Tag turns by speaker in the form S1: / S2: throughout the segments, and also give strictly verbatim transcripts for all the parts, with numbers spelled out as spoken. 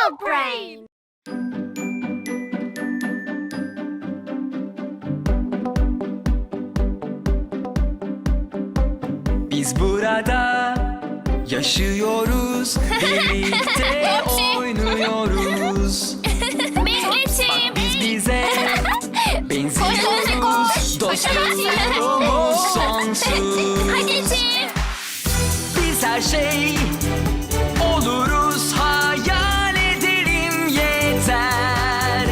S1: Dog Brain.
S2: Biz burada yaşıyoruz, birlikte oynuyoruz.
S1: Bekletim.
S2: Biz bize benziyoruz, dostluğumuz sonsuz.
S1: Hadi Tim.
S2: Biz her şey oluruz, hayal edelim yeter.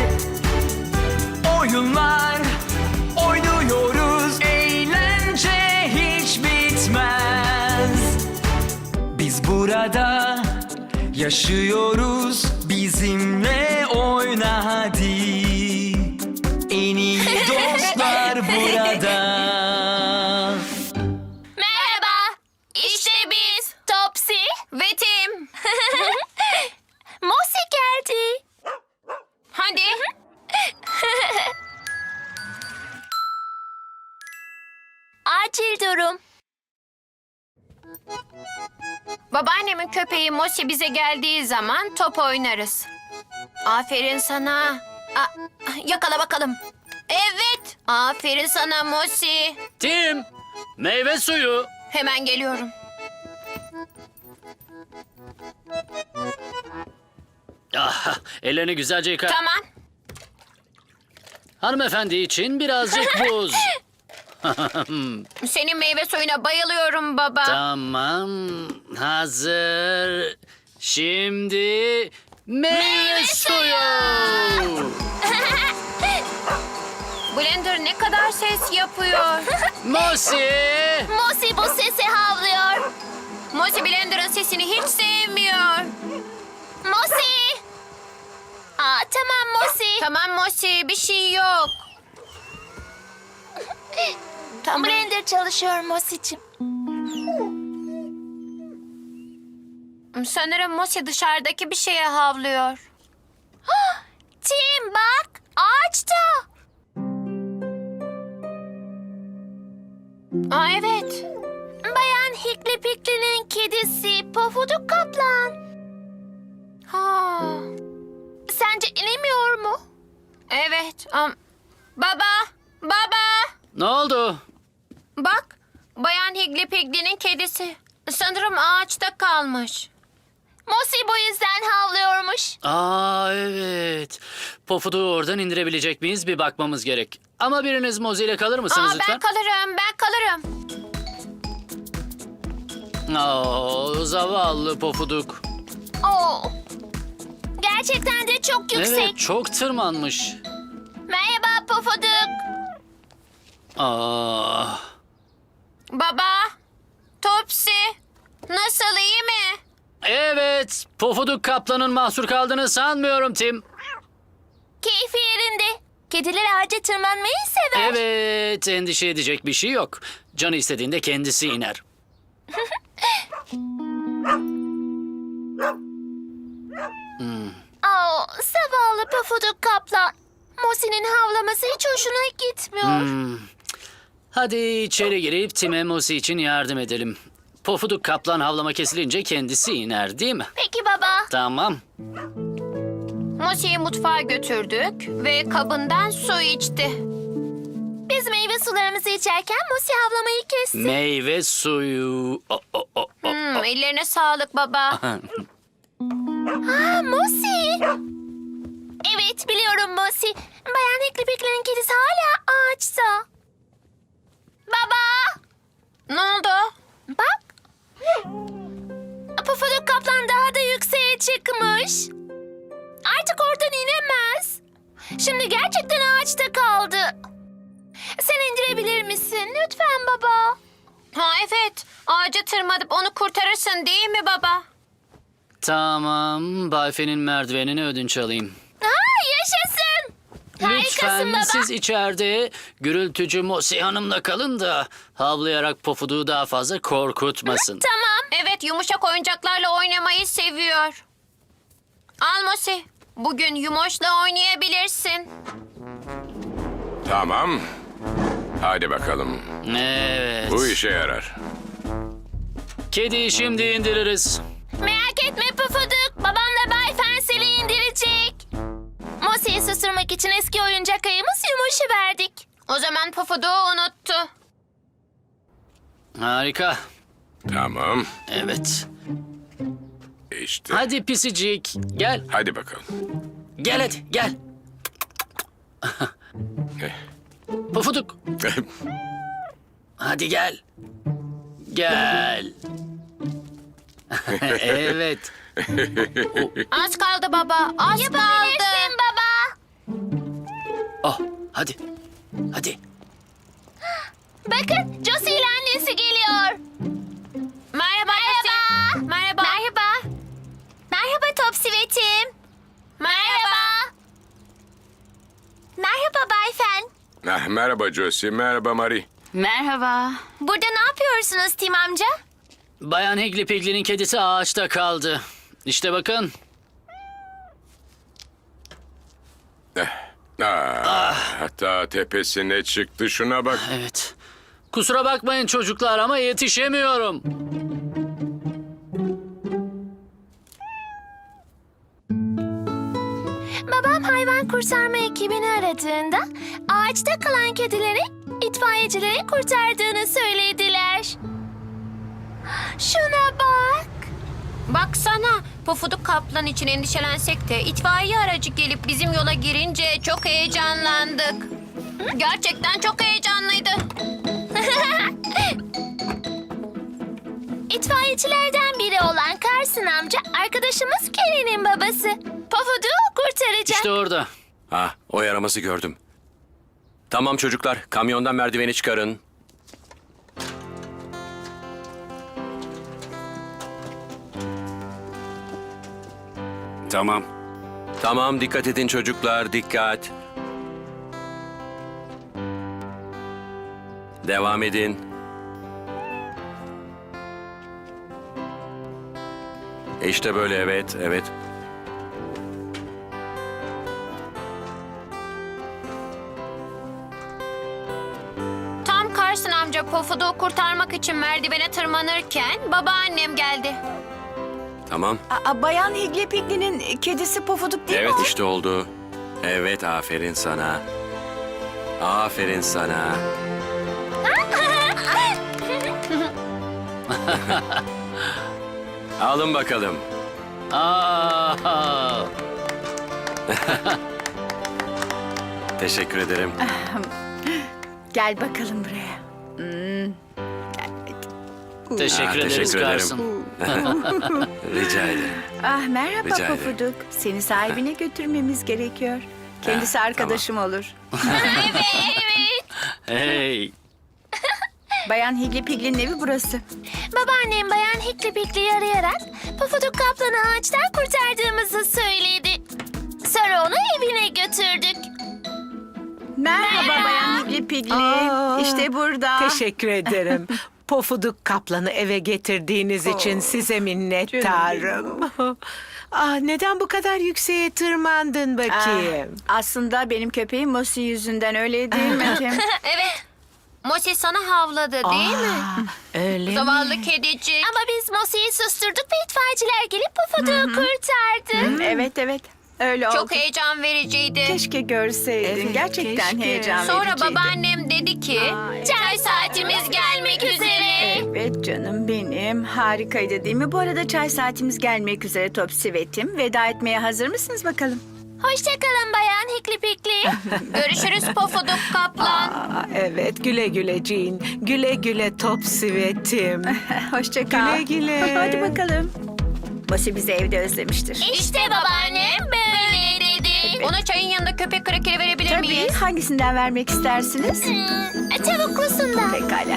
S2: Oyunlar oynuyoruz, eğlence hiç bitmez. Biz burada yaşıyoruz, bizimle oyna hadi. En iyi dostlar burada.
S1: Merhaba. İşte biz. Topsy ve Tim. Mosi geldi. Hadi. Acil durum. Babaannemin köpeği Mosi bize geldiği zaman top oynarız. Aferin sana. Aa, yakala bakalım. Evet. Aferin sana Mosi.
S3: Tim, meyve suyu.
S1: Hemen geliyorum.
S3: Ah, ellerini güzelce yıka.
S1: Tamam.
S3: Hanımefendi için birazcık buz.
S1: Senin meyve suyuna bayılıyorum baba.
S3: Tamam, hazır. Şimdi meyve suyu.
S1: Blender ne kadar ses yapıyor.
S3: Mosi.
S1: Mosi bu sesi havlıyor. Mosi Blender'ın sesini hiç sevmiyor. Mosi! Aa, tamam Mosi. Tamam Mosi, bir şey yok. Tamam. Blender çalışıyor Mosi'cim. Sanırım Mosi dışarıdaki bir şeye havlıyor. Tim bak, ağaçta. Aa evet. Bayan Hikli Pikli'nin kedisi Pofuduk Kaplan. Ha. Sence inemiyor mu? Evet. am- baba, baba.
S3: Ne oldu?
S1: Bak, Bayan Higli Pigli'nin kedisi. Sanırım ağaçta kalmış. Mosi bu yüzden havlıyormuş.
S3: Aa evet. Pofuduğu oradan indirebilecek miyiz bir bakmamız gerek. Ama biriniz Mozi ile kalır mısınız
S1: Aa,
S3: lütfen?
S1: ben kalırım, ben kalırım.
S3: Oo, zavallı Pofuduk.
S1: Oo. Gerçekten de çok yüksek.
S3: Evet, çok tırmanmış.
S1: Merhaba Pofuduk.
S3: Aa.
S1: Baba, Topsy, nasıl, iyi mi?
S3: Evet, Pofuduk Kaplan'ın mahsur kaldığını sanmıyorum Tim.
S1: Keyfi yerinde. Kediler ağaca tırmanmayı sever.
S3: Evet, endişe edecek bir şey yok. Canı istediğinde kendisi iner.
S1: Aa, zavallı Pofuduk Kaplan. Mosi'nin havlaması hiç hoşuna gitmiyor.
S3: Hmm. Hadi içeri girip Tim'e Mosi için yardım edelim. Pofuduk Kaplan havlama kesilince kendisi iner değil mi?
S1: Peki baba.
S3: Tamam.
S1: Mosi'yi mutfağa götürdük ve kabından su içti. Biz meyve sularımızı içerken Mosi havlamayı kesti.
S3: Meyve suyu. O, o, o, o.
S1: Hmm, ellerine sağlık baba. Aa, Mosi. Evet, biliyorum Mosi. Bayan Hikli Pikli'nin kedisi hala ağaçta. Baba. Ne oldu? Bak. Pofuduk Kaplan daha da yükseğe çıkmış. Artık oradan inemez. Şimdi gerçekten ağaçta kaldı. Sen indirebilir misin? Lütfen baba. Ha evet. Ağaca tırmanıp onu kurtarırsın değil mi baba?
S3: Tamam, Bayfe'nin merdivenini ödünç alayım.
S1: Ha, yaşasın. Harikasın
S3: Lütfen
S1: baba.
S3: siz içeride gürültücü Mosi Hanım'la kalın da havlayarak Pofuduğu daha fazla korkutmasın.
S1: Tamam. Evet, yumuşak oyuncaklarla oynamayı seviyor. Al Mosi. Bugün Yumoş'la oynayabilirsin.
S4: Tamam. Hadi bakalım.
S3: Evet.
S4: Bu işe yarar.
S3: Kediyi şimdi indiririz.
S1: Merak etme Pufuduk. Babamla Bay Fensel'i O zaman Pofuduk'u unuttu.
S3: Harika.
S4: Tamam.
S3: Evet.
S4: İşte.
S3: Hadi pisicik. Gel.
S4: Hadi bakalım.
S3: Gel hadi gel. Pofuduk. Hadi gel. Gel. Evet.
S1: Az kaldı baba. Az kaldı. baba.
S3: Oh, hadi. Hadi.
S1: Bakın Josie ile annesi geliyor. Merhaba. Merhaba. Merhaba. Merhaba. Merhaba Topsivet'im. Merhaba. Merhaba Bay Fen.
S4: Ah, merhaba Josie, merhaba Marie.
S1: Merhaba. Burada ne yapıyorsunuz Tim amca?
S3: Bayan Higgly Piggly'nin kedisi ağaçta kaldı. İşte bakın.
S4: Ah, hatta tepesine çıktı, şuna bak.
S3: Evet. Kusura bakmayın çocuklar ama yetişemiyorum.
S1: Babam hayvan kurtarma ekibini aradığında ağaçta kalan kedileri itfaiyecilerin kurtardığını söylediler. Şuna bak. Baksana, Pofuduk Kaplan için endişelensek de itfaiye aracı gelip bizim yola girince çok heyecanlandık. Gerçekten çok heyecanlıydı. İtfaiyecilerden biri olan Carson amca arkadaşımız Kelly'nin babası. Pofuduk'u kurtaracak.
S3: İşte orada.
S5: Ah, o yaraması gördüm. Tamam çocuklar, kamyondan merdiveni çıkarın.
S6: Tamam.
S5: Tamam, dikkat edin çocuklar, dikkat. Devam edin. İşte böyle, evet, evet.
S1: Tam Carson amca Pofuduk'u kurtarmak için merdivene tırmanırken babaannem geldi.
S5: Tamam.
S7: Aa, Bayan Higgly Piggly'nin kedisi Pofuduk değil
S5: Evet
S7: mi?
S5: işte oldu. Evet, aferin sana. Aferin sana. Alın bakalım.
S3: Aa,
S5: Teşekkür ederim.
S7: Gel bakalım buraya.
S3: teşekkür
S5: Ah,
S3: ederiz
S5: teşekkür ederim.
S3: Carson.
S5: Rica ederim.
S7: Ah merhaba
S5: Rica ederim.
S7: Pofuduk. Seni sahibine götürmemiz gerekiyor. Kendisi
S5: Ah,
S7: arkadaşım olur.
S3: Hey.
S7: Bayan Higgly Piggly'nin evi burası.
S1: Babaannem Bayan Higgly Piggly'yi arayarak Pofuduk Kaplan'ı ağaçtan kurtardığımızı söyledi. Sonra onu evine götürdük.
S7: Merhaba,
S1: Merhaba.
S7: Bayan Higgly Piggly.
S8: Aa,
S7: İşte burada.
S8: Teşekkür ederim. Pofuduk kaplanı eve getirdiğiniz için size minnettarım. Ah, neden bu kadar yükseğe tırmandın bakayım?
S7: Ah, aslında benim köpeğim Mosi yüzünden, öyle değil mi Tim?
S1: Evet. Mosi sana havladı değil mi?
S8: Ah, öyle mi?
S1: Zavallı kedicik. Ama biz Mosi'yi susturduk ve itfaiyeciler gelip Pofuduk'u kurtardı.
S7: Evet evet. Öyle oldu.
S1: Çok heyecan vericiydi.
S7: Keşke görseydin.
S8: Evet,
S7: Gerçekten
S8: keşke.
S7: heyecan
S1: Sonra
S7: vericiydi.
S1: babaannem dedi ki
S7: Ay.
S1: çay saatimiz gelmek üzere.
S7: Evet canım benim. Harikaydı değil mi? Bu arada çay saatimiz gelmek üzere Topsivet'im. Veda etmeye hazır mısınız bakalım?
S1: Hoşçakalın Bayan Higgly Piggly. Görüşürüz Pofuduk Kaplan.
S8: Aa, evet, güle güle Jean. Güle güle top sivetim.
S7: Hoşça kal.
S8: Güle güle.
S7: Hadi bakalım. Mosi bizi evde özlemiştir.
S1: İşte babaannem böyle dedi. Ona çayın yanında köpek krakeri verebilir
S7: Tabii.
S1: miyiz?
S7: Hangisinden vermek istersiniz?
S1: Hmm, tavuklusundan.
S7: Pekala.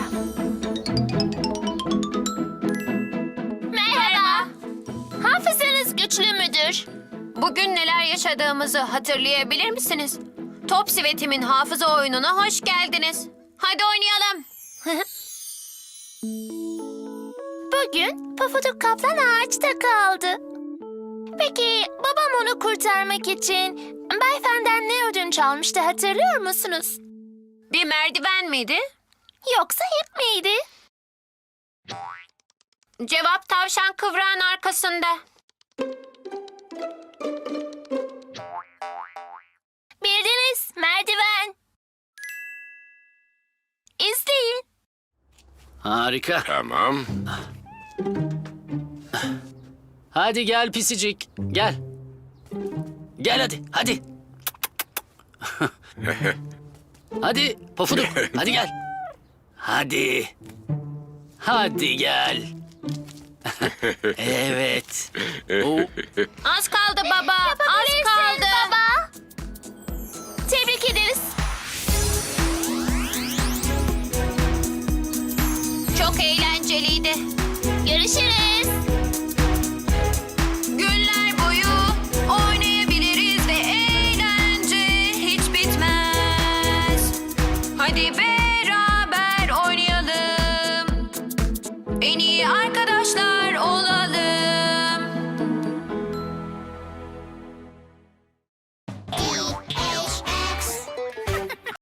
S1: Merhaba. Hafızanız güçlü müdür? Bugün neler yaşadığımızı hatırlayabilir misiniz? Topsivet'imin hafıza oyununa hoş geldiniz. Hadi oynayalım. Bugün Pofuduk Kaplan ağaçta kaldı. Peki babam onu kurtarmak için Bay Fen'den ne ödünç almıştı hatırlıyor musunuz? Bir merdiven miydi? Yoksa ip miydi? Cevap tavşan kıvrağın arkasında. Bildiniz, merdiven.
S3: Harika.
S4: Tamam.
S3: Hadi gel pisicik. Gel. Gel hadi. Hadi. Hadi Pofuduk. Hadi gel. Hadi. Hadi gel. Evet. Oo,
S1: Az